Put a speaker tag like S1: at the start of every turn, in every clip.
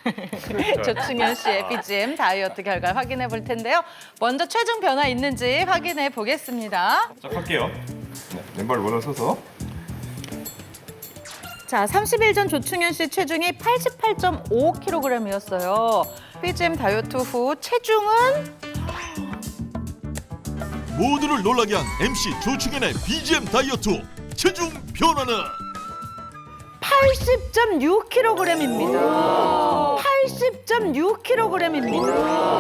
S1: 조충현 씨의 BGM 다이어트 결과 확인해 볼 텐데요. 먼저 체중 변화 있는지 확인해 보겠습니다.
S2: 자, 갈게요. 네, 왼발 올라서서.
S1: 자, 30일 전 조충현 씨 체중이 88.5kg이었어요. BGM 다이어트 후 체중은
S3: 모두를 놀라게 한 MC 조충현의 BGM 다이어트 체중 변화는
S1: 80.6kg입니다. 80.6kg입니다.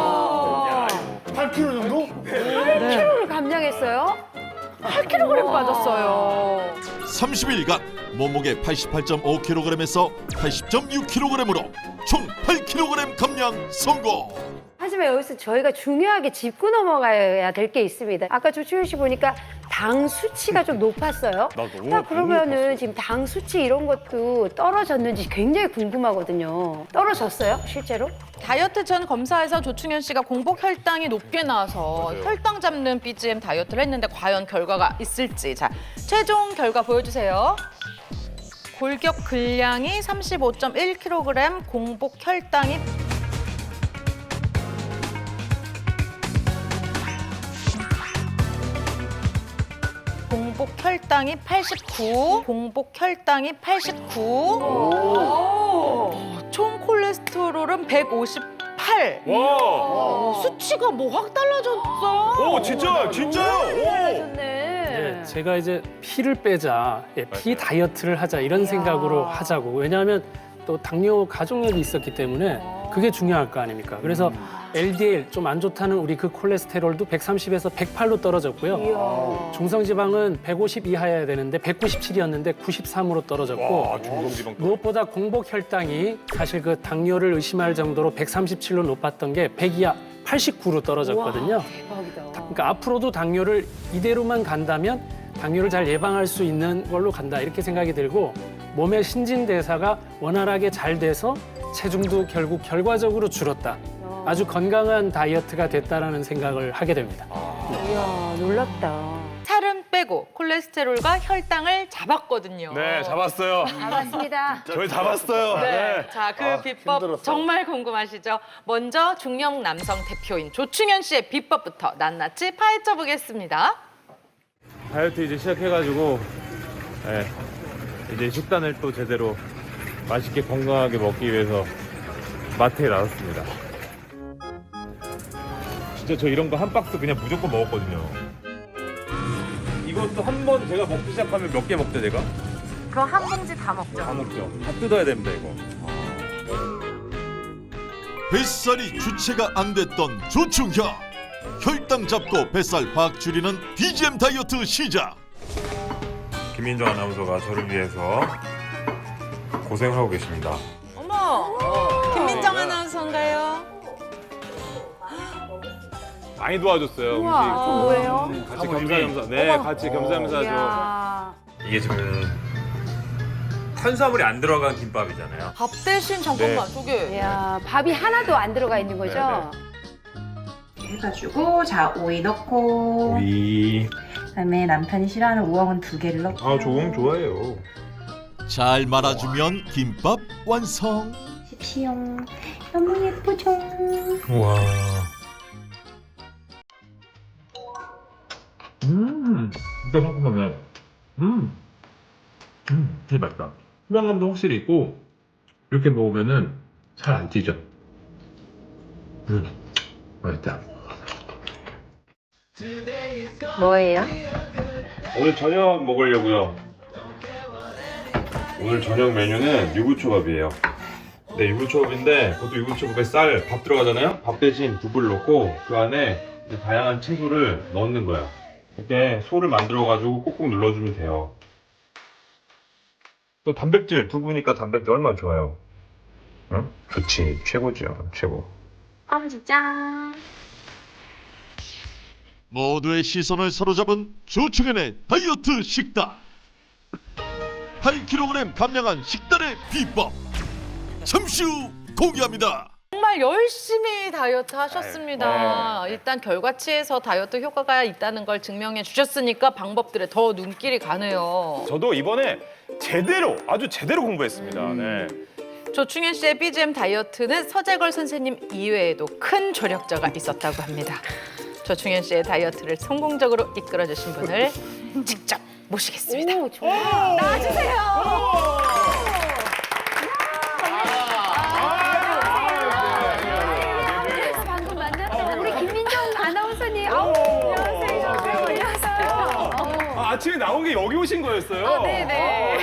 S4: 8kg 정도?
S5: 8kg를 감량했어요?
S1: 8kg 빠졌어요.
S3: 30일간 몸무게 88.5kg에서 80.6kg으로 총 8kg 감량 성공.
S5: 하지만 여기서 저희가 중요하게 짚고 넘어가야 될 게 있습니다. 아까 조충현 씨 보니까 당 수치가 좀 높았어요. 그러면은 지금 당 수치 이런 것도 떨어졌는지 굉장히 궁금하거든요. 떨어졌어요, 실제로?
S1: 다이어트 전 검사에서 조충현 씨가 공복 혈당이 높게 나와서 혈당 잡는 BGM 다이어트를 했는데 과연 결과가 있을지. 자, 최종 결과 보여주세요. 골격 근량이 35.1kg, 공복 혈당이 공복 혈당이 89, 공복 혈당이 89, 총 콜레스테롤은 158.
S2: 와!
S1: 수치가 뭐 확 달라졌어.
S2: 오, 진짜요?
S5: 좋네.
S6: 네, 제가 이제 피를 빼자, 피 다이어트를 하자 이런 생각으로 하자고. 왜냐하면 또 당뇨 가족력이 있었기 때문에 그게 중요할 거 아닙니까? 그래서 LDL 좀 안 좋다는 우리 그 콜레스테롤도 130에서 108로 떨어졌고요. 중성지방은 150 이하여야 되는데 197이었는데 93으로 떨어졌고
S2: 와, 중성지방.
S6: 무엇보다 공복 혈당이 사실 그 당뇨를 의심할 정도로 137로 높았던 게 100 이하 89로 떨어졌거든요.
S5: 대박이다.
S6: 그러니까 앞으로도 당뇨를 이대로만 간다면 당뇨를 잘 예방할 수 있는 걸로 간다 이렇게 생각이 들고 몸의 신진대사가 원활하게 잘 돼서 체중도 결국 결과적으로 줄었다. 아주 건강한 다이어트가 됐다라는 생각을 하게 됩니다.
S5: 이야, 놀랍다.
S1: 살은 빼고 콜레스테롤과 혈당을 잡았거든요.
S2: 네, 잡았어요.
S5: 반갑습니다.
S2: 저희 잡았어요.
S1: 네. 자, 그 비법
S4: 힘들었어.
S1: 정말 궁금하시죠? 먼저 중년 남성 대표인 조충현 씨의 비법부터 낱낱이 파헤쳐 보겠습니다.
S2: 다이어트 이제 시작해가지고 네, 이제 식단을 또 제대로 맛있게 건강하게 먹기 위해서 마트에 나섰습니다. 진짜 저 이런 거 한 박스 그냥 무조건 먹었거든요. 이것도 한 번 제가 먹기 시작하면 몇 개 먹죠, 제가?
S1: 그럼 한 봉지 다 먹죠.
S2: 다 먹죠. 다 뜯어야 됩니다, 이거.
S3: 뱃살이 주체가 안 됐던 조충현. 혈당 잡고 뱃살 확 줄이는 BGM 다이어트 시작.
S2: 김민정 아나운서가 저를 위해서 고생을 하고 계십니다.
S1: 어머, 김민정 아나운서인가요?
S2: 많이 도와줬어요.
S5: 우와, 그건 뭐예요?
S2: 같이 겸사겸사. 네, 같이 겸사겸사 좀.
S5: 이야.
S2: 이게 지금 탄수화물이 안 들어간 김밥이잖아요.
S1: 밥 대신 잠깐만,
S2: 네.
S1: 저게.
S5: 이야, 밥이 하나도 안 들어가 있는 거죠?
S7: 해가지고 자 오이 넣고
S2: 오이.
S7: 그다음에 남편이 싫어하는 우엉은 2개를 넣고
S2: 아, 조금 좋아해요.
S3: 잘 말아주면 김밥 완성.
S7: 십시용 너무 예쁘죠?
S2: 우와. 진짜 상큼하네. 되게 맛있다. 수량감도 확실히 있고 이렇게 먹으면은 잘 안 찌죠. 맛있다.
S5: 뭐예요?
S2: 오늘 저녁 먹으려고요. 오늘 저녁 메뉴는 유부초밥이에요. 네, 유부초밥인데 그것도 유부초밥에 쌀, 밥 들어가잖아요? 밥 대신 두부를 넣고 그 안에 이제 다양한 채소를 넣는 거예요. 이렇게 소를 만들어가지고 꾹꾹 눌러주면 돼요. 또 단백질, 두부니까 단백질 얼마나 좋아요. 응? 좋지, 최고죠, 최고.
S7: 짠.
S3: 모두의 시선을 사로잡은 조충현의 다이어트 식단. 8kg 감량한 식단의 비법. 잠시 후 공개합니다.
S1: 정말 열심히 다이어트 하셨습니다. 일단 결과치에서 다이어트 효과가 있다는 걸 증명해 주셨으니까 방법들에 더 눈길이 가네요.
S8: 저도 이번에 제대로 아주 제대로 공부했습니다. 네.
S1: 조충현 씨의 BGM 다이어트는 서재걸 선생님 이외에도 큰 조력자가 있었다고 합니다. 조충현 씨의 다이어트를 성공적으로 이끌어주신 분을 직접 모시겠습니다.
S5: 오, 좋아. 방금 만났던 우리 김민정 아나운서님. 안녕하세요.
S2: 아침에 나온 게 여기 오신 거였어요?
S1: 네네.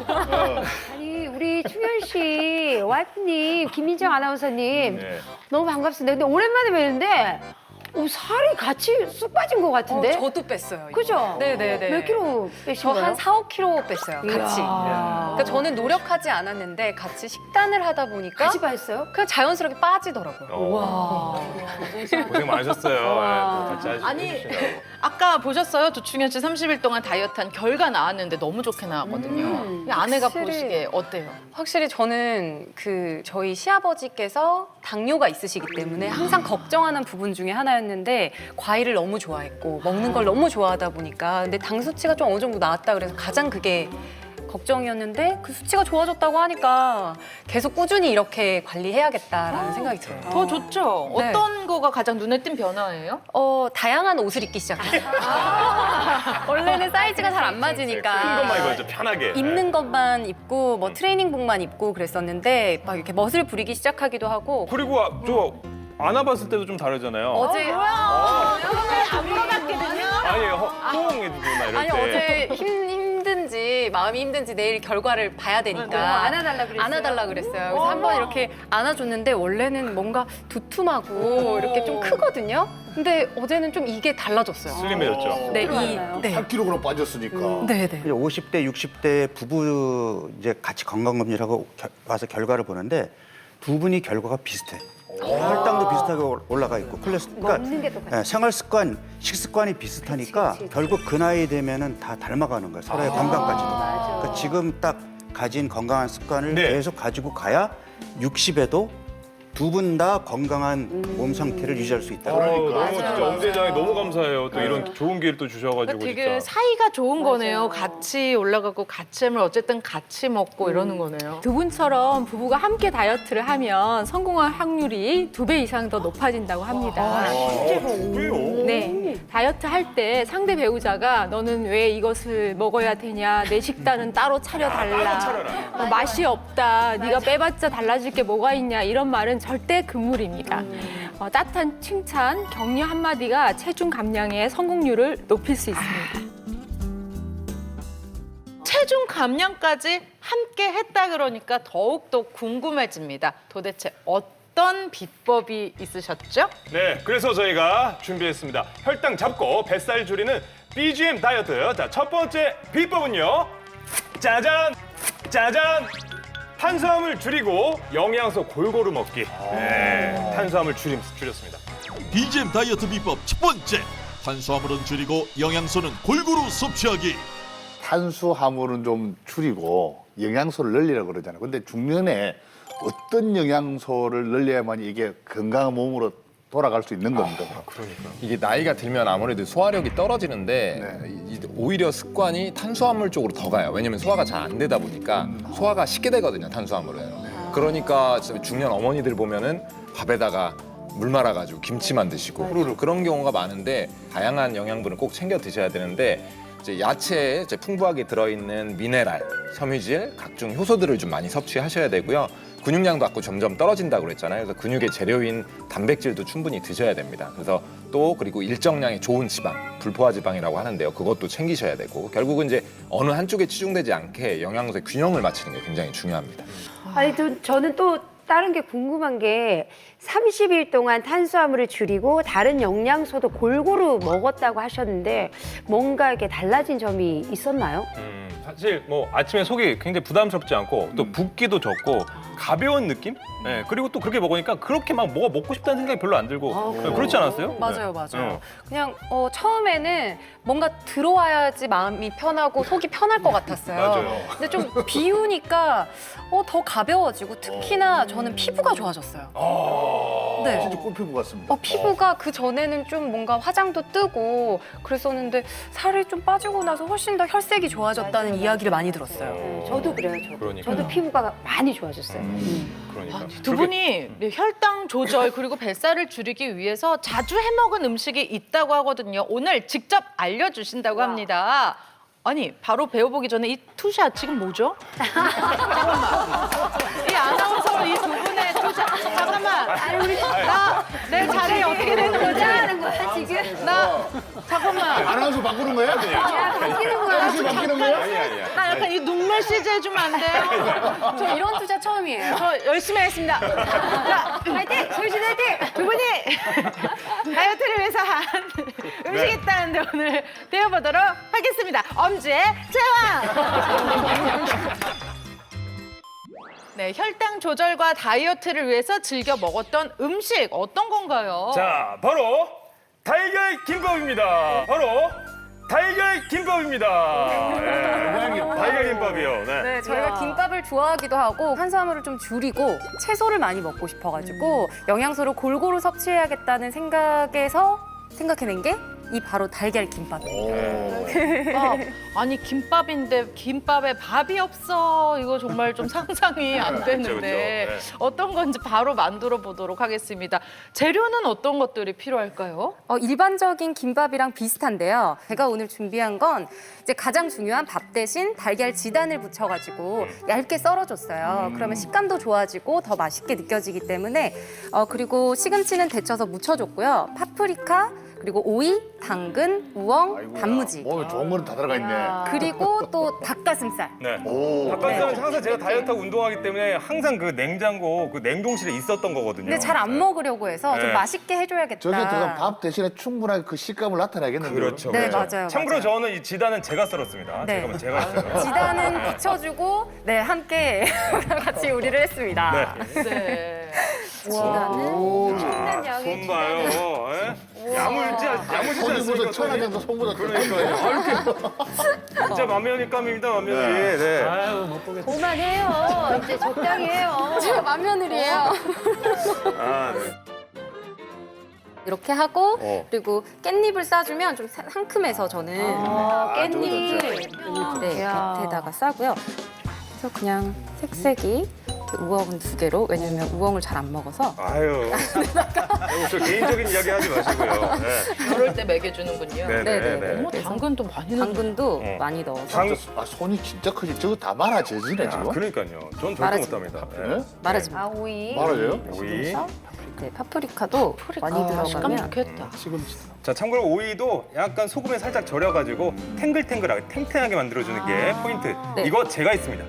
S5: 아니 우리 충현 씨 와이프님 김민정 아나운서님
S2: 네.
S5: 너무 반갑습니다. 근데 오랜만에 뵙는데 살이 같이 쑥 빠진 것 같은데?
S4: 저도 뺐어요. 이거.
S5: 그죠?
S4: 네네네.
S5: 몇 킬로 빼신
S4: 저
S5: 거예요?
S4: 한 4, 5kg 뺐어요. 같이.
S5: 이야.
S4: 그러니까 저는 노력하지 않았는데 같이 식단을 하다 보니까
S5: 같이 빠졌어요?
S4: 그냥 자연스럽게 빠지더라고요.
S5: 와.
S2: 고생 많으셨어요. 같이
S1: 아니,
S2: 해주시느라고.
S1: 아까 보셨어요? 조충현 씨 30일 동안 다이어트한 결과 나왔는데 너무 좋게 나왔거든요. 아내가
S4: 확실히.
S1: 보시기에 어때요?
S4: 확실히 저는 저희 시아버지께서 당뇨가 있으시기 때문에 항상 걱정하는 부분 중에 하나였는데 과일을 너무 좋아했고 먹는 걸 너무 좋아하다 보니까 근데 당 수치가 좀 어느 정도 나왔다 그래서 가장 그게 걱정이었는데 그 수치가 좋아졌다고 하니까 계속 꾸준히 이렇게 관리해야겠다라는 생각이 들어요.
S1: 더 좋죠?
S4: 네.
S1: 어떤 거가 가장 눈에 띈 변화예요?
S4: 다양한 옷을 입기 시작했어요. 원래는 사이즈가 잘 안 맞으니까.
S2: 큰 것만 입어야죠, 편하게.
S4: 입는 것만 입고 뭐 트레이닝복만 입고 그랬었는데 막 이렇게 멋을 부리기 시작하기도 하고
S2: 그리고 저 안아봤을 때도 좀 다르잖아요.
S4: 어제
S1: 안 먹었거든요.
S2: 아니, 호응해주고 막 이럴
S4: 아니
S2: 때.
S4: 어제 힘든지 마음이 힘든지 내일 결과를 봐야 되니까
S5: 안아달라 그랬어요?
S4: 안아달라 그랬어요. 그래서 한번 이렇게 안아줬는데 원래는 뭔가 두툼하고 이렇게 좀 크거든요. 근데 어제는 좀 이게 달라졌어요.
S2: 슬림해졌죠.
S4: 네,
S5: 들어왔나요?
S8: 8kg 빠졌으니까.
S4: 네, 네.
S9: 50대, 60대 부부 이제 같이 건강검진을 하고 와서 결과를 보는데 두 분이 결과가 비슷해. 혈당도 비슷하게 올라가 있고
S5: 먹는 게 똑같아.
S9: 생활 습관, 식습관이 비슷하니까
S5: 그치.
S9: 결국 그 나이 되면은 다 닮아가는 거야. 서로의 건강까지도.
S5: 맞아.
S9: 그러니까 지금 딱 가진 건강한 습관을
S2: 네.
S9: 계속 가지고 가야 60에도 두 분 다 건강한 몸 상태를 유지할 수 있다.
S2: 너무 진짜 엄대장에 너무 감사해요. 또 이런 좋은 기회를 또 주셔가지고
S1: 되게
S2: 진짜.
S1: 사이가 좋은 거네요. 같이 올라가고 같이 하면 어쨌든 같이 먹고 이러는 거네요.
S10: 두 분처럼 부부가 함께 다이어트를 하면 성공할 확률이 2배 이상 더 높아진다고 합니다.
S2: 왜요?
S10: 네, 다이어트 할 때 상대 배우자가 너는 왜 이것을 먹어야 되냐, 내 식단은 따로 차려달라, 맛이 없다, 네가 빼봤자 달라질 게 뭐가 있냐 이런 말은 절대 금물입니다. 따뜻한 칭찬, 격려 한마디가 체중 감량의 성공률을 높일 수 있습니다.
S1: 체중 감량까지 함께 했다 그러니까 더욱더 궁금해집니다. 도대체 어떤 비법이 있으셨죠?
S2: 네, 그래서 저희가 준비했습니다. 혈당 잡고 뱃살 줄이는 BGM 다이어트. 자, 첫 번째 비법은요. 짜잔! 짜잔! 탄수화물 줄이고 영양소 골고루 먹기. 네, 탄수화물 줄였습니다.
S3: BGM 다이어트 비법 첫 번째. 탄수화물은 줄이고 영양소는 골고루 섭취하기.
S8: 탄수화물은 좀 줄이고 영양소를 늘리라고 그러잖아요. 근데 중년에 어떤 영양소를 늘려야만 이게 건강한 몸으로 돌아갈 수 있는 겁니다.
S11: 이게 나이가 들면 아무래도 소화력이 떨어지는데 오히려 습관이 탄수화물 쪽으로 더 가요. 왜냐면 소화가 잘 안 되다 보니까 소화가 쉽게 되거든요, 탄수화물은. 그러니까 중년 어머니들 보면은 밥에다가 물 말아가지고 김치만 드시고 그런 경우가 많은데 다양한 영양분을 꼭 챙겨 드셔야 되는데 이제 야채에 이제 풍부하게 들어있는 미네랄, 섬유질, 각종 효소들을 좀 많이 섭취하셔야 되고요. 근육량도 아까 점점 떨어진다고 그랬잖아요. 그래서 근육의 재료인 단백질도 충분히 드셔야 됩니다. 그래서 또 그리고 일정량의 좋은 지방, 불포화 지방이라고 하는데요. 그것도 챙기셔야 되고 결국은 이제 어느 한쪽에 치중되지 않게 영양소의 균형을 맞추는 게 굉장히 중요합니다.
S5: 아니, 저는 또 다른 게 궁금한 게 30일 동안 탄수화물을 줄이고 다른 영양소도 골고루 먹었다고 하셨는데 뭔가 이렇게 달라진 점이 있었나요?
S2: 사실 뭐 아침에 속이 굉장히 부담스럽지 않고 또 붓기도 적고 가벼운 느낌? 네, 그리고 또 그렇게 먹으니까 그렇게 막 뭐가 먹고 싶다는 생각이 별로 안 들고 그렇지 않았어요?
S4: 맞아요, 맞아요. 그냥 처음에는 뭔가 들어와야지 마음이 편하고 속이 편할 것 같았어요.
S2: 맞아요.
S4: 근데 좀 비우니까 더 가벼워지고 특히나 저는 피부가 좋아졌어요. 네.
S8: 진짜 꿀피부 같습니다.
S4: 피부가 그 전에는 좀 뭔가 화장도 뜨고 그랬었는데 살이 좀 빠지고 나서 훨씬 더 혈색이 좋아졌다는 이야기를 많이 들었어요.
S5: 저도 그래요.
S2: 그러니까요.
S5: 저도 피부가 많이 좋아졌어요.
S11: 그러니까.
S1: 두 분이 혈당 조절 그리고 뱃살을 줄이기 위해서 자주 해먹은 음식이 있다고 하거든요. 오늘 직접 알려주신다고 합니다. 아니 바로 배워보기 전에 이 투샷 지금 뭐죠? 잠깐만. 이 아나운서 이 두 분의 투샷 잠깐만. 내 자리 어떻게 되는 거지?
S5: 하는 거야 지금?
S1: 나 잠깐만.
S8: 아나운서 바꾸는 거야?
S5: 야 바뀌는 거야.
S8: 아나운서 바뀌는 거야?
S11: 아니야.
S1: 나 약간 이 눈물 CG 해주면 안 돼요?
S4: 저 이런 투자 처음이에요.
S1: 저 열심히 하겠습니다. 자,
S5: 화이팅! 솔신 화이팅!
S1: 두 분이 다이어트를 위해서 한 음식이 있다는데 오늘 배워보도록 하겠습니다. 엄지의 제왕! 네, 혈당 조절과 다이어트를 위해서 즐겨 먹었던 음식 어떤 건가요?
S2: 자, 바로 달걀 김밥입니다. 바로 달걀 김밥입니다. 달걀 김밥이요.
S4: 네, 저희가 김밥을 좋아하기도 하고 탄수화물을 좀 줄이고 채소를 많이 먹고 싶어가지고 영양소를 골고루 섭취해야겠다는 생각에서 생각해낸 게 이 바로 달걀 김밥입니다.
S1: 아니 김밥인데 김밥에 밥이 없어. 이거 정말 좀 상상이 안 되는데
S2: 그렇죠.
S1: 어떤 건지 바로 만들어 보도록 하겠습니다. 재료는 어떤 것들이 필요할까요?
S4: 일반적인 김밥이랑 비슷한데요. 제가 오늘 준비한 건 이제 가장 중요한 밥 대신 달걀 지단을 붙여가지고 얇게 썰어줬어요. 그러면 식감도 좋아지고 더 맛있게 느껴지기 때문에 그리고 시금치는 데쳐서 무쳐줬고요. 파프리카 그리고 오이, 당근, 우엉, 단무지
S8: 몸에 좋은 거는 다 들어가 있네.
S4: 그리고 또 닭가슴살.
S2: 네.
S8: 오.
S2: 닭가슴살은 항상 제가 다이어트하고 운동하기 때문에 항상 그 냉장고, 그 냉동실에 있었던 거거든요.
S4: 근데 잘 안 먹으려고 해서 좀
S2: 네.
S4: 맛있게 해줘야겠다.
S8: 저게 들어간 밥 대신에 충분하게 그 식감을 나타내겠는데.
S2: 그렇죠.
S4: 네,
S2: 그렇죠.
S4: 맞아요.
S2: 참고로
S4: 맞아요.
S2: 저는 이 지단은 제가 썰었습니다.
S4: 네.
S2: 제가 했어요.
S4: 지단은 붙여주고 네 함께 같이 요리를 했습니다.
S1: 네.
S4: 지단은
S5: 충분한 양의
S2: 손 봐요. 야무지지
S8: 손이 무슨
S2: 않습니까?
S8: 천하장도 손보다
S2: 그러니까요. 진짜 만면일감입니다, 만면이. 네.
S6: 아유 못 보겠다.
S5: 그만해요. 이제 적당히 해요.
S4: 제가 맏며느리예요.
S2: 아, 네.
S4: 이렇게 하고 그리고 깻잎을 싸주면 좀 상큼해서 저는
S5: 깻잎.
S4: 네,
S5: 야.
S4: 곁에다가 싸고요. 그래서 그냥 색색이 우엉은 2개로 왜냐면 우엉을 잘 안 먹어서
S2: 아유. 저 개인적인 이야기 하지 마시고요. 네.
S1: 그럴 때 먹여주는군요.
S2: 네네네.
S1: 어머, 당근도 많이 넣는
S4: 당근도 많이 넣어서
S8: 손이 진짜 크지. 저거 다 말아지네 지금.
S2: 그러니까요. 전 절대
S4: 말하지
S2: 못합니다.
S8: 네?
S4: 말하지
S5: 아 오이.
S8: 말아져요?
S2: 오이.
S4: 네, 파프리카도 많이
S1: 식감
S4: 들어가면
S1: 좋겠다.
S2: 자, 참고로 오이도 약간 소금에 살짝 절여가지고 탱글탱글하게 탱탱하게 만들어주는 게 포인트.
S4: 네.
S2: 이거 제가 있습니다.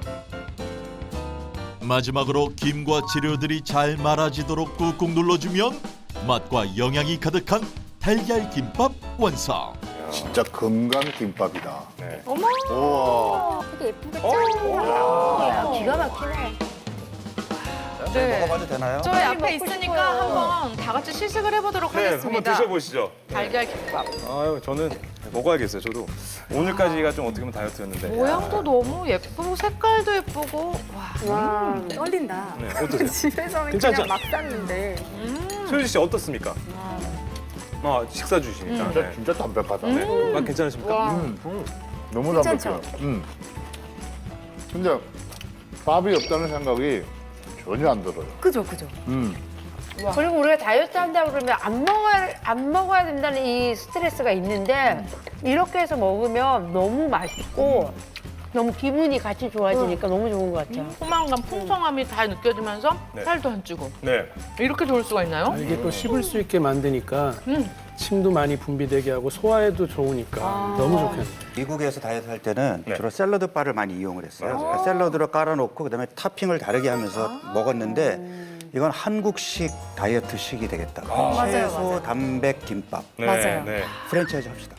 S3: 마지막으로 김과 재료들이 잘 말아지도록 꾹꾹 눌러주면 맛과 영양이 가득한 달걀 김밥 완성.
S8: 진짜 건강 김밥이다.
S2: 네.
S8: 우와.
S4: 되게 예쁘겠죠?
S5: 야, 기가 막히네.
S1: 네.
S9: 먹어봐도 되나요?
S1: 저희 앞에 있으니까 한번 다 같이 시식을 해보도록
S2: 네, 한번
S1: 하겠습니다.
S2: 드셔보시죠.
S1: 달걀 김밥.
S2: 아유, 저는 먹어야겠어요. 저도 오늘까지가 좀 어떻게 보면 다이어트였는데.
S1: 모양도 너무 예쁘고 색깔도 예쁘고 와.
S5: 와.
S4: 떨린다.
S2: 네, 어떠세요?
S4: 집에서는
S2: 괜찮죠?
S4: 그냥 막 쌌는데
S2: 소유지 씨 어떻습니까? 식사 주시니까. 네.
S8: 진짜 담백하다.
S2: 네. 맛 괜찮으십니까?
S8: 너무
S4: 괜찮죠?
S8: 담백해요. 근데 밥이 없다는 생각이 전혀 안 들어요.
S4: 그죠.
S5: 그리고 우리가 다이어트 한다고 그러면 안 먹어야 된다는 이 스트레스가 있는데 이렇게 해서 먹으면 너무 맛있고 너무 기분이 같이 좋아지니까 너무 좋은 것 같아요.
S1: 포만감, 풍성함이 다 느껴지면서
S2: 네.
S1: 살도 안 찌고
S2: 네.
S1: 이렇게 좋을 수가 있나요?
S6: 이게 또 씹을 수 있게 만드니까 침도 많이 분비되게 하고 소화에도 좋으니까 너무 좋겠네요.
S9: 미국에서 다이어트 할 때는
S2: 네.
S9: 주로 샐러드 바를 많이 이용을 했어요. 그러니까 샐러드로 깔아놓고 그다음에 토핑을 다르게 하면서 먹었는데 이건 한국식 다이어트식이 되겠다. 채소, 단백, 김밥.
S2: 네.
S4: 맞아요.
S2: 네.
S9: 프랜차이즈 합시다.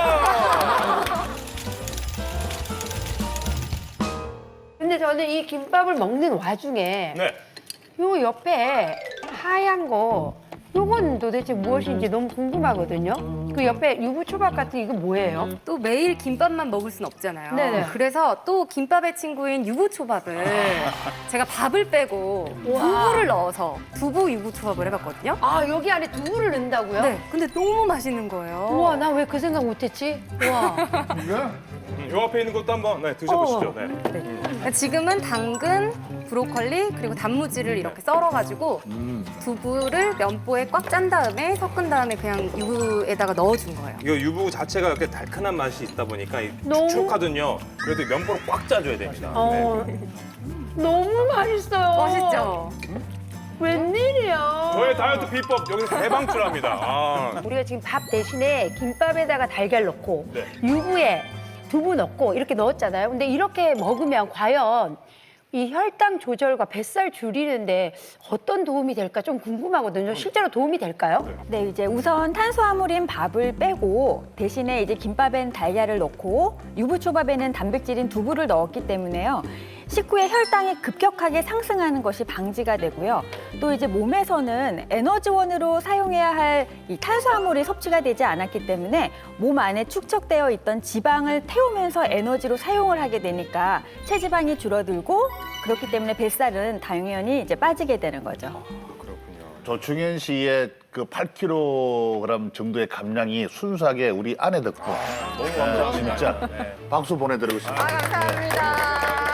S5: 근데 저는 이 김밥을 먹는 와중에
S2: 네.
S5: 요 옆에 하얀 거 요건 도대체 무엇인지 너무 궁금하거든요. 그 옆에 유부초밥 같은 이거 뭐예요?
S4: 또 매일 김밥만 먹을 순 없잖아요.
S5: 네네.
S4: 그래서 또 김밥의 친구인 유부초밥을 제가 밥을 빼고 두부를 넣어서 두부 유부초밥을 해봤거든요.
S5: 아 여기 안에 두부를 넣는다고요?
S4: 네, 근데 너무 맛있는 거예요.
S5: 우와 나 왜 그 생각 못했지? 우와.
S8: 이게
S2: 요 앞에 있는 것도 한번 드셔보시죠. 네.
S4: 지금은 당근, 브로콜리 그리고 단무지를 이렇게 썰어가지고 두부를 면보에 꽉 짠 다음에 섞은 다음에 그냥 유부에다가 넣어준 거예요.
S2: 이거 유부 자체가 이렇게 달큰한 맛이 있다 보니까
S5: 너무-
S2: 축축하거든요. 그래도 면보로 꽉 짜줘야 됩니다. 네.
S5: 너무 맛있어요.
S4: 멋있죠?
S5: 웬일이야.
S2: 저의 다이어트 비법 여기서 대방출합니다. 아.
S5: 우리가 지금 밥 대신에 김밥에다가 달걀 넣고
S2: 네.
S5: 유부에 두부 넣고 이렇게 넣었잖아요. 근데 이렇게 먹으면 과연 이 혈당 조절과 뱃살 줄이는데 어떤 도움이 될까 좀 궁금하거든요. 실제로 도움이 될까요?
S12: 네, 이제 우선 탄수화물인 밥을 빼고 대신에 이제 김밥엔 달걀을 넣고 유부초밥에는 단백질인 두부를 넣었기 때문에요. 식후에 혈당이 급격하게 상승하는 것이 방지가 되고요. 또 이제 몸에서는 에너지원으로 사용해야 할 이 탄수화물이 섭취가 되지 않았기 때문에 몸 안에 축적되어 있던 지방을 태우면서 에너지로 사용을 하게 되니까 체지방이 줄어들고 그렇기 때문에 뱃살은 당연히 이제 빠지게 되는 거죠.
S8: 조충현 씨의 그 8kg 정도의 감량이 순수하게 우리 아내 덕분.
S2: 너무 감사합니다.
S8: 진짜 박수 보내드리고 싶습니다.
S1: 감사합니다.